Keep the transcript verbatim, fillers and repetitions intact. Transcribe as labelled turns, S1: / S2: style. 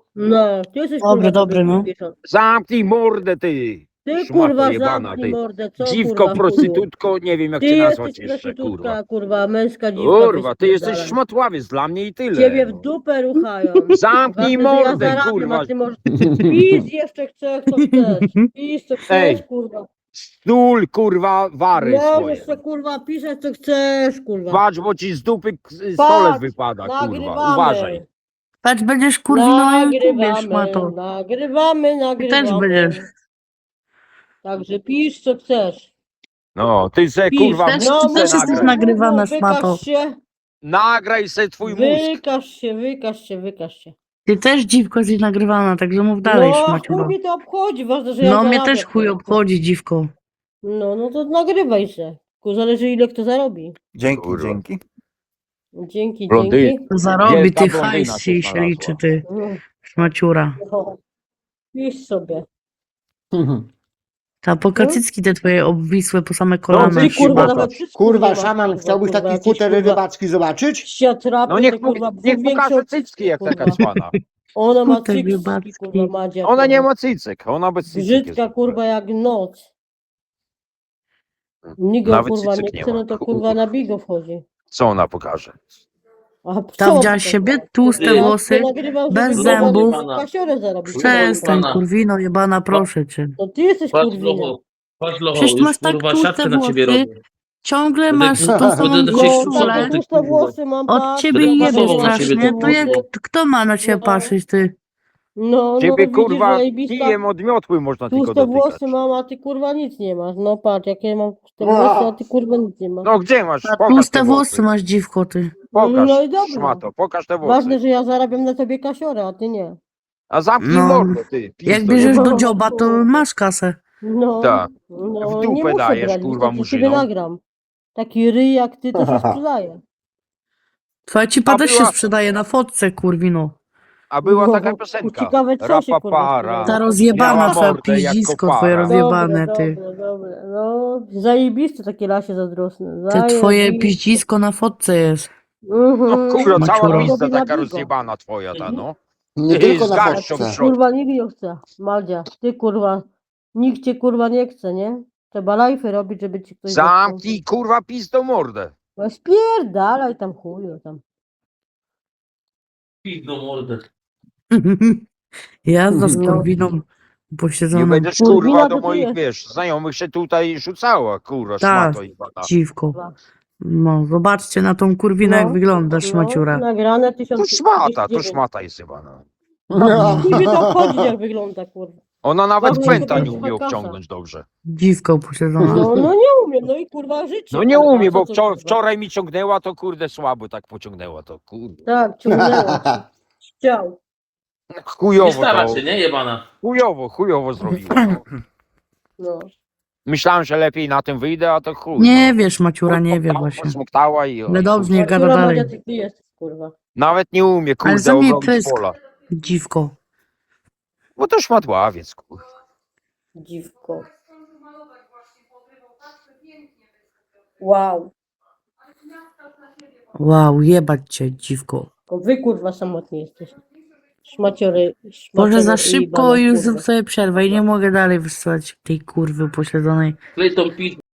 S1: No, ty jesteś
S2: Dobry,
S1: kurwa
S2: dobry, no.
S1: pieszony.
S3: Zamknij mordę, ty!
S1: Ty
S3: Szmato
S1: kurwa
S3: jebana,
S1: zamknij
S3: ty.
S1: mordę, co
S3: Dziwko,
S1: kurwa chuju?
S3: prostytutko, nie wiem jak
S1: Ty
S3: cię nazwać
S1: jesteś
S3: jeszcze, kurwa.
S1: prostytutka, kurwa, męska dziwka.
S3: Kurwa, ty jesteś
S1: spierdalaj.
S3: szmatławiec dla mnie i tyle.
S1: Ciebie w
S3: no.
S1: dupę ruchają.
S3: Zamknij
S1: Ważne, że ja
S3: mordę,
S1: zarabiam,
S3: kurwa.
S1: a ty możesz pis jeszcze chcesz, co chcesz. Pis co chcesz,
S3: Ej,
S1: kurwa.
S3: Stul, kurwa, wary
S1: Możesz
S3: swoje.
S1: se kurwa pisać co chcesz, kurwa.
S3: Patrz, bo ci z dupy k- stolec
S1: Patrz,
S3: wypada, kurwa.
S1: nagrywamy.
S3: Uważaj.
S2: Patrz, będziesz kurwino na YouTubie,
S1: Nagrywamy,
S2: szmato.
S1: nagrywamy, nagrywamy.
S2: też będziesz.
S1: Także pisz co chcesz.
S3: No, ty se,
S1: Pisz.
S3: kurwa,
S2: Też-
S3: no,
S2: ty też jesteś
S3: nagraj.
S2: nagrywana,
S1: wykaż
S2: szmato.
S1: się,
S3: Nagraj se twój mózg.
S1: wykaż się, wykaż się, wykaż się.
S2: Ty też dziwko jesteś nagrywana, także mów dalej,
S1: No, a chuj
S2: szmaciuro.
S1: mnie to obchodzi, ważne, że ja
S2: No mnie
S1: zarabiam.
S2: też chuj obchodzi, dziwko.
S1: No, no to nagrywaj się. Ku zależy ile kto zarobi.
S4: Dzięki,
S3: Kurwa.
S4: dzięki.
S1: Dzięki,
S3: Blondy-
S1: dzięki.
S2: Zarobi,
S3: Wielka
S2: ty
S3: blondyna
S2: hajs
S3: się
S2: się, się
S3: znalazła.
S2: liczy, ty
S1: No,
S2: szmaciura.
S1: no. Pisz sobie.
S2: Ta pokacycki te twoje obwisłe po same
S3: No,
S2: kolana.
S3: ty,
S1: Ty kurwa
S3: szmato.
S1: nawet wszystko
S4: Kurwa,
S1: nie masz,
S4: szaman,
S1: kurwa,
S4: chciałbyś
S1: kurwa,
S4: taki
S1: jakieś,
S4: futer
S1: kurwa,
S4: rybacki zobaczyć?
S1: Siatrapy,
S3: No niech,
S1: te,
S3: mu,
S1: kurwa,
S3: niech
S1: większe
S3: pokaże
S1: od
S3: cycki jak
S1: kurwa.
S3: taka cwana.
S1: Ona ma
S2: Futer
S1: cycki,
S2: rybacki.
S1: kurwa, Madzia.
S3: Ona nie
S1: kurwa.
S3: ma cycek, ona bez cycek
S1: Brzydka,
S3: jest.
S1: kurwa, jak noc. Nigo,
S3: Nawet
S1: kurwa,
S3: cycek
S1: nie
S3: nie
S1: chce,
S3: ma.
S1: no to kurwa na bigo wchodzi.
S3: Co ona pokaże?
S1: A
S2: Ta
S1: co
S2: widziałaś
S1: to,
S2: siebie?
S1: kurwa?
S2: Tłuste
S1: Ja
S2: włosy,
S1: to nagrywam,
S2: bez
S1: żeby
S2: zębów.
S1: kurwa kasiorę zarobić.
S2: Przestań,
S5: Pana.
S2: kurwino jebana, proszę cię.
S1: To ty jesteś
S5: Patrz
S1: kurwina.
S5: locho, patrz locho,
S2: Przecież ty
S5: już
S2: masz tak
S5: kurwa
S2: tłuste
S5: siatkę na ciebie
S2: włosy.
S5: robię.
S2: Ciągle
S5: Będę-
S2: masz tą
S4: będę
S2: samą
S5: do
S1: No,
S5: ciebie
S2: koszulę.
S1: tak, tłuste włosy mam,
S2: Od
S1: patrz,
S2: ciebie
S5: Będę
S2: jebie
S5: pasował na ciebie
S2: strasznie,
S5: te
S2: to jak,
S5: włosy.
S2: kto ma na ciebie
S1: No.
S2: patrzeć, ty?
S1: No, no
S3: Ciebie
S1: widzisz,
S3: kurwa
S1: zajebista.
S3: kijem od miotły można tylko
S1: Tłuste
S3: dotykać.
S1: włosy mam, a ty kurwa nic nie masz. No patrz, jakie mam tłuste włosy, a ty kurwa nic nie masz.
S3: No gdzie masz?
S2: A
S3: Pokaż
S2: tłuste
S3: te
S2: włosy
S3: włosy.
S2: masz, dziwko, ty.
S3: Pokaż,
S1: No i dobra.
S3: szmato, pokaż te włosy.
S1: Ważne, że ja zarabiam na tobie kasiorę, a ty nie.
S3: A zamknij
S2: No.
S3: mordę, ty. pizdo
S2: Jak bierzesz
S3: jebana.
S2: do dzioba, to masz kasę.
S1: No,
S3: Tak.
S1: no
S3: W dupę
S1: nie muszę
S3: dajesz,
S1: brać,
S3: kurwa,
S1: wystarczy sobie
S3: murzynom.
S1: nagram. Taki ryj jak ty to się sprzedaje.
S2: Twoja cipa
S3: A
S2: też
S3: była-
S2: się sprzedaje na fotce, kurwino.
S3: A była
S1: No,
S3: taka piosenka.
S1: ciekawe, co się, kurwa,
S3: Rapapara.
S2: Ta
S1: sprzedaje.
S2: rozjebana
S3: Miała
S2: twoja
S3: mordę jak
S2: piździsko,
S3: kopara.
S2: twoje rozjebane,
S1: Dobre,
S2: ty.
S1: dobre, dobre. No, zajebiste takie lasie zazdrosne.
S2: Te twoje
S1: Zajebiste.
S2: piździsko na fotce jest.
S3: No
S1: Mhm.
S3: kurwa, cała
S2: Maciuro.
S3: pizda
S1: Robi na
S3: taka
S1: bigo.
S3: rozjebana twoja ta, no.
S4: Nie
S3: Ty
S4: tylko
S3: z
S4: na
S3: garścią
S4: fotce.
S3: w środku.
S1: Kurwa, nikt nie chce. Madzia, ty kurwa, nikt cię kurwa nie chce, nie? Trzeba lajfy robić, żeby ci ktoś
S3: Zamknij kurwa pizdo mordę.
S1: No spierdalaj tam chuju tam.
S5: Pizdą mordę.
S2: Jazda z
S1: No.
S2: kurwiną
S3: Nie
S2: posiedzoną.
S3: będziesz
S1: Kurwina
S3: kurwa
S1: to
S3: do
S1: ty
S3: moich,
S1: jest.
S3: wiesz, znajomych się tutaj rzucała, kurwa,
S2: Tak.
S3: szmato jebana.
S2: Dziwko. No, zobaczcie na tą kurwinę, jak
S1: No,
S2: wygląda szmaciura.
S1: No, nagrane
S3: To
S1: tysiąc
S3: szmata, to szmata jest chyba, no.
S1: Niby to obchodzi, jak wygląda kurwa.
S3: Ona nawet
S1: Ważne,
S3: kwęta
S1: żeby
S3: nie
S1: jest
S3: umie
S1: kasa.
S3: obciągnąć dobrze.
S2: Dziwko posiedzona.
S1: No, no nie umiem, no i kurwa życie.
S3: No nie
S1: kurwa,
S3: umie,
S1: co
S3: bo
S1: to,
S3: wczor-
S1: kurwa?
S3: wczoraj mi ciągnęła, to kurde słabo tak pociągnęła to, kurde.
S1: Tak, ciągnęło cię. Chciał.
S5: Nie
S3: Chujowo
S5: stara
S3: to,
S5: się, nie jebana.
S3: chujowo, chujowo zrobiła. No.
S1: No.
S3: Myślałem, że lepiej na tym wyjdę, a to chuj.
S2: Nie
S3: no.
S2: wiesz, Maciura, nie wie właśnie.
S3: Smuktała i...
S2: Ale dobrze, nie gada
S1: Która
S2: dalej.
S1: Madzia, ty, ty jesteś kurwa.
S3: Nawet nie umie,
S2: Ale
S3: kurde,
S2: za mnie
S3: obrobić
S2: pysk.
S3: pola.
S2: Dziwko.
S3: Bo to szmatławiec, kurde.
S1: Dziwko. Wow.
S2: Wow, jebać cię, dziwko.
S1: Tylko wy kurwa samotni jesteś. Szmaciory.
S2: Może
S1: szmaciory
S2: za
S1: i
S2: szybko
S1: jebane,
S2: już
S1: kurwa.
S2: zrób sobie przerwę i nie mogę dalej wysłać tej kurwy posiedzonej.
S5: Klej tą pizdę.